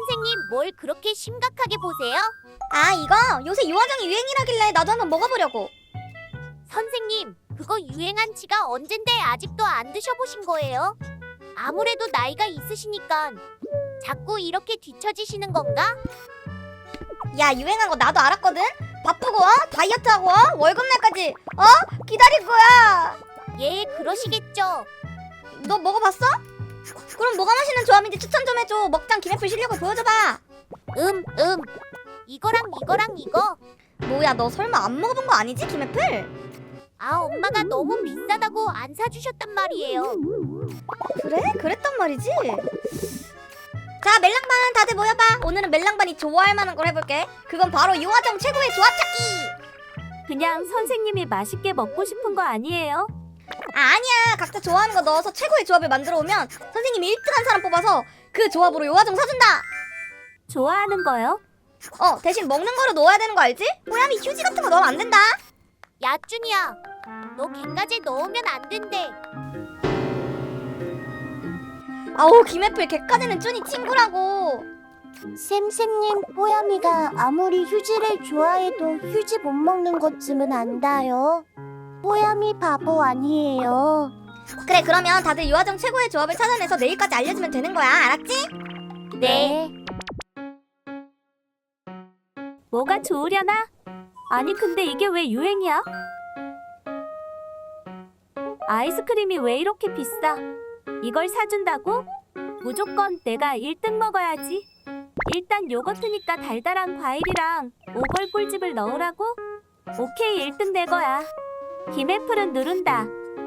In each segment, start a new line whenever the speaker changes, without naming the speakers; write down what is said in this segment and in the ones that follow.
선생님, 뭘 그렇게 심각하게 보세요?
아, 이거 요새 요화정이 유행이라길래 나도 한번 먹어보려고.
선생님, 그거 유행한 지가 언젠데 아직도 안 드셔보신 거예요? 아무래도 나이가 있으시니까 자꾸 이렇게 뒤처지시는 건가?
야, 유행한 거 나도 알았거든? 바쁘고 다이어트하고 월급날까지 기다릴 거야.
예, 그러시겠죠.
너 먹어봤어? 그럼 뭐가 맛있는 조합인지 추천 좀 해줘. 먹장 김애플 실력을 보여줘봐.
이거랑 이거.
뭐야, 너 설마 안 먹어본 거 아니지, 김애플?
아, 엄마가 너무 비싸다고 안 사주셨단 말이에요.
그래? 그랬단 말이지? 자, 멜랑반 다들 모여봐. 오늘은 멜랑반이 좋아할 만한 걸 해볼게. 그건 바로 요화정 최고의 조합 찾기.
그냥 선생님이 맛있게 먹고 싶은 거 아니에요?
아니야, 각자 좋아하는 거 넣어서 최고의 조합을 만들어 오면 선생님이 1등한 사람 뽑아서 그 조합으로 요화정 사준다.
좋아하는 거요?
대신 먹는 거로 넣어야 되는 거 알지? 호야미 휴지 같은 거 넣으면 안 된다.
야, 준이야. 너 갱가제 넣으면 안 된대.
아우, 김애플 걔까지는 쭈니 친구라고.
쌤님, 뽀야미가 아무리 휴지를 좋아해도 휴지 못 먹는 것쯤은 안다요. 뽀야미 바보 아니에요.
그래, 그러면 다들 요화정 최고의 조합을 찾아내서 내일까지 알려주면 되는 거야, 알았지?
네.
뭐가 좋으려나? 아니 근데 이게 왜 유행이야? 아이스크림이 왜 이렇게 비싸? 이걸 사준다고? 무조건 내가 1등 먹어야지. 일단 요거트니까 달달한 과일이랑 오걸 꿀집을 넣으라고? 오케이, 1등 내 거야. 김애플은 누른다.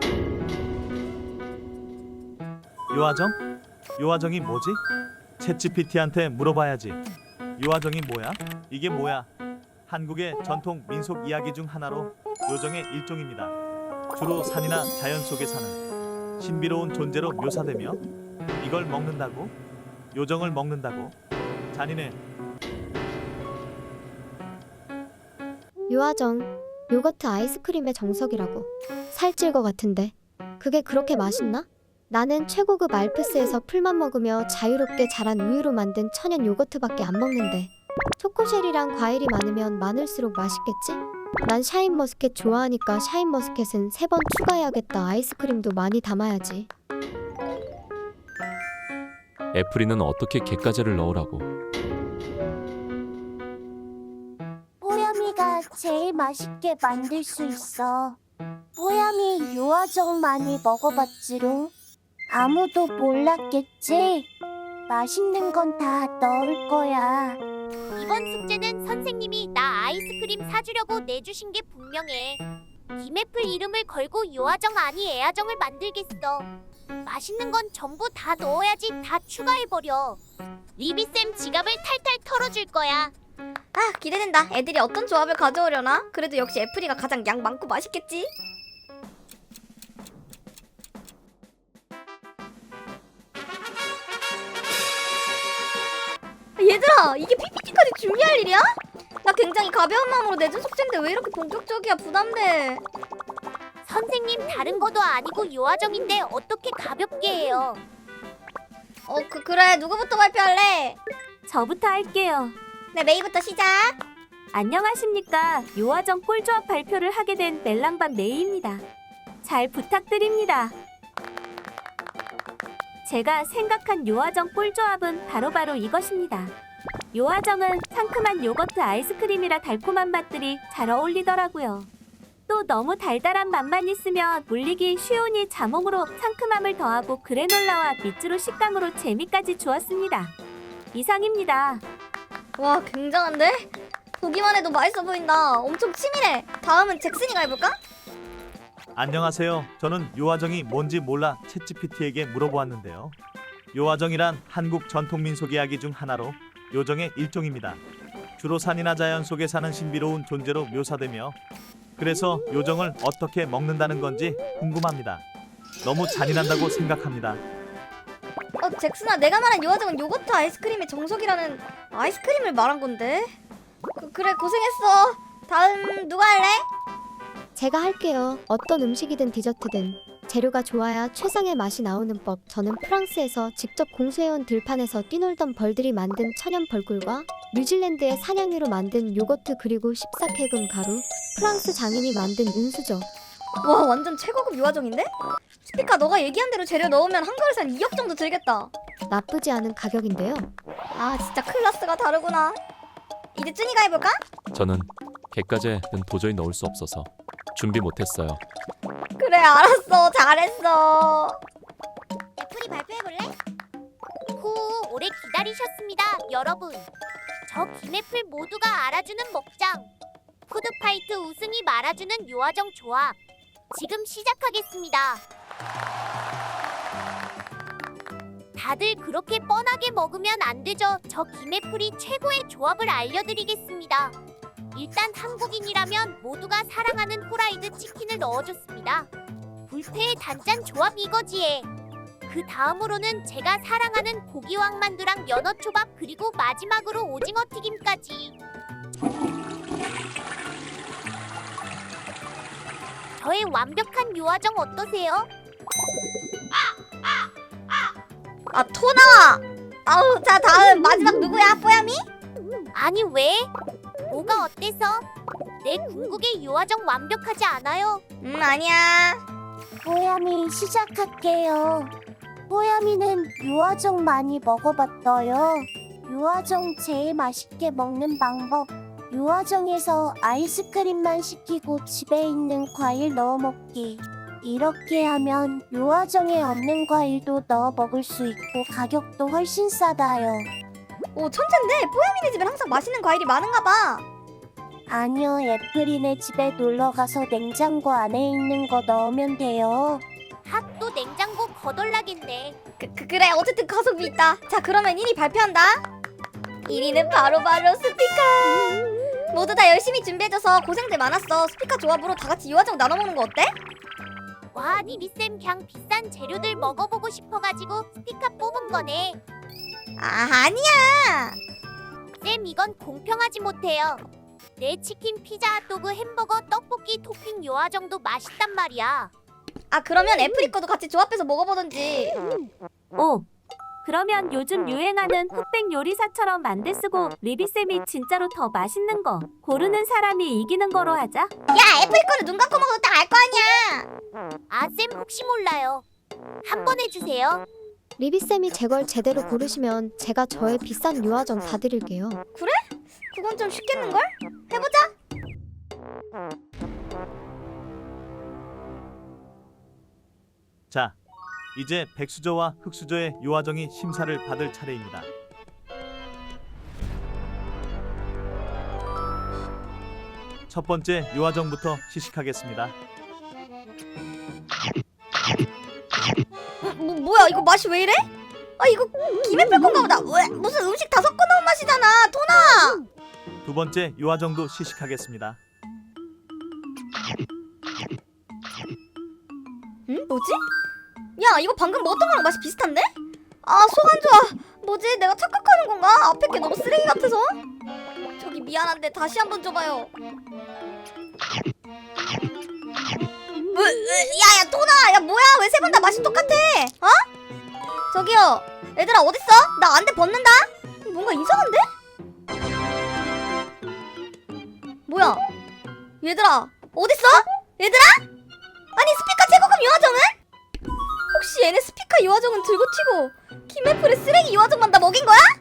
요화정? 요화정이 뭐지? 챗GPT한테 물어봐야지. 요화정이 뭐야? 이게 뭐야? 한국의 전통 민속 이야기 중 하나로 요정의 일종입니다. 주로 산이나 자연 속에 사는 신비로운 존재로 묘사되며 이걸 먹는다고? 요정을 먹는다고? 잔인해.
요화정, 요거트 아이스크림의 정석이라고. 살찔 것 같은데 그게 그렇게 맛있나? 나는 최고급 알프스에서 풀만 먹으며 자유롭게 자란 우유로 만든 천연 요거트밖에 안 먹는데 초코쉘이랑 과일이 많으면 많을수록 맛있겠지? 난 샤인머스켓 좋아하니까 샤인머스켓은 3번 추가해야겠다. 아이스크림도 많이 담아야지.
애플이는 어떻게 갯가재를 넣으라고?
뽀야미가 제일 맛있게 만들 수 있어. 뽀야미 요화정 많이 먹어봤지롱. 아무도 몰랐겠지? 맛있는 건 다 넣을 거야.
이번 숙제는 선생님이 나 아이스크림 사주려고 내주신 게 분명해. 김애플 이름을 걸고 요화정 아니 애화정을 만들겠어. 맛있는 건 전부 다 넣어야지. 다 추가해버려. 리비쌤 지갑을 탈탈 털어줄 거야.
아, 기대된다. 애들이 어떤 조합을 가져오려나? 그래도 역시 애플이가 가장 양 많고 맛있겠지? 얘들아, 이게 PPT까지 준비할 일이야? 나 굉장히 가벼운 마음으로 내준 숙제인데 왜 이렇게 본격적이야? 부담돼.
선생님, 다른 것도 아니고 요화정인데 어떻게 가볍게 해요?
그래. 누구부터 발표할래?
저부터 할게요.
네, 메이부터 시작.
안녕하십니까. 요화정 꿀조합 발표를 하게 된 멜랑반 메이입니다. 잘 부탁드립니다. 제가 생각한 요화정 꿀조합은 바로바로 이것입니다. 요화정은 상큼한 요거트 아이스크림이라 달콤한 맛들이 잘 어울리더라고요. 또 너무 달달한 맛만 있으면 물리기 쉬우니 자몽으로 상큼함을 더하고 그래놀라와 밑주로 식감으로 재미까지 주었습니다. 이상입니다.
와, 굉장한데? 보기만 해도 맛있어 보인다. 엄청 치밀해. 다음은 잭슨이가 해볼까?
안녕하세요. 저는 요화정이 뭔지 몰라 챗GPT에게 물어보았는데요. 요화정이란 한국 전통 민속 이야기 중 하나로 요정의 일종입니다. 주로 산이나 자연 속에 사는 신비로운 존재로 묘사되며 그래서 요정을 어떻게 먹는다는 건지 궁금합니다. 너무 잔인한다고 생각합니다.
잭슨아, 내가 말한 요화정은 요거트 아이스크림의 정석이라는 아이스크림을 말한 건데. 그래, 고생했어. 다음 누가 할래?
제가 할게요. 어떤 음식이든 디저트든 재료가 좋아야 최상의 맛이 나오는 법. 저는 프랑스에서 직접 공수해온 들판에서 뛰놀던 벌들이 만든 천연 벌꿀과 뉴질랜드의 사냥류로 만든 요거트, 그리고 14캐금 가루, 프랑스 장인이 만든 은수저.
와, 완전 최고급 유화정인데? 스피카, 너가 얘기한 대로 재료 넣으면 한 그릇에 한 2억 정도 들겠다.
나쁘지 않은 가격인데요.
아, 진짜 클래스가 다르구나. 이제 쯔니가 해볼까?
저는 갯가재는 도저히 넣을 수 없어서 준비 못했어요.
그래, 알았어. 잘했어. 애플이 발표해볼래?
후, 오래 기다리셨습니다, 여러분. 저 김애플 모두가 알아주는 먹장. 푸드파이트 우승이 말아주는 요아정 조합. 지금 시작하겠습니다. 다들 그렇게 뻔하게 먹으면 안 되죠. 저 김애플이 최고의 조합을 알려드리겠습니다. 일단 한국인이라면 모두가 사랑하는 후라이드 치킨을 넣어줬습니다. 불패의 단짠 조합 이거지에. 그 다음으로는 제가 사랑하는 고기왕만두랑 연어초밥, 그리고 마지막으로 오징어 튀김까지. 저의 완벽한 요아정 어떠세요?
아, 토나! 아우, 자, 다음 마지막 누구야? 뽀야미?
아니 왜? 뭐가 어때서? 내 궁극의 요아정 완벽하지 않아요?
아니야.
뽀야미 시작할게요. 뽀야미는 요아정 많이 먹어봤어요. 요아정 제일 맛있게 먹는 방법. 요아정에서 아이스크림만 시키고 집에 있는 과일 넣어 먹기. 이렇게 하면 요아정에 없는 과일도 넣어 먹을 수 있고 가격도 훨씬 싸다요.
오, 천재인데? 뽀야미네 집엔 항상 맛있는 과일이 많은가 봐.
아니요, 애플이네 집에 놀러가서 냉장고 안에 있는 거 넣으면 돼요.
핫도 냉장고 거덜나겠네.
그래, 어쨌든 가성비 있다. 자, 그러면 1위 발표한다. 1위는 바로 스피카. 모두 다 열심히 준비해줘서 고생들 많았어. 스피카 조합으로 다 같이 요아정 나눠 먹는 거 어때?
와, 리비쌤 그냥 비싼 재료들 먹어보고 싶어가지고 스피카 뽑은 거네.
아, 아니야.
쌤, 이건 공평하지 못해요. 내 치킨, 피자, 핫도그, 햄버거, 떡볶이 토핑 요아정도 맛있단 말이야.
아, 그러면 애플이 거도 같이 조합해서 먹어보던지.
오, 그러면 요즘 유행하는 흑백 요리사처럼 만들 쓰고 리비쌤이 진짜로 더 맛있는 거 고르는 사람이 이기는 거로 하자.
야, 애플이 거는 눈 감고 먹어도 딱 알 거 아니야.
아, 쌤 혹시 몰라요. 한 번 해주세요.
리비쌤이 제 걸 제대로 고르시면 제가 저의 비싼 요아정 다 드릴게요.
그건 좀 쉽겠는걸? 해보자.
자, 이제 백수저와 흑수저의 요아정이 심사를 받을 차례입니다. 첫 번째 요아정부터 시식하겠습니다.
뭐야, 이거 맛이 왜 이래? 아, 이거 김애플 건가 보다. 왜? 무슨 음식 다 섞어 넣은 맛이잖아, 토나.
두 번째 요아정도 시식하겠습니다.
응? 뭐지? 야, 이거 방금 먹었던 거랑 맛이 비슷한데? 아, 속 안 좋아. 뭐지? 내가 착각하는 건가? 앞에 게 너무 쓰레기 같아서? 저기 미안한데 다시 한번 줘봐요. 야, 토나! 야, 뭐야? 왜 세 번 다 맛이 똑같아? 어? 저기요, 얘들아 어딨어? 나 안대 벗는다? 뭔가 이상한데? 뭐야? 얘들아 어딨어? 얘들아? 아니, 스피카 최고급 요아정은? 혹시 얘네 스피카 요아정은 들고 튀고 김애플의 쓰레기 요아정만 다 먹인 거야?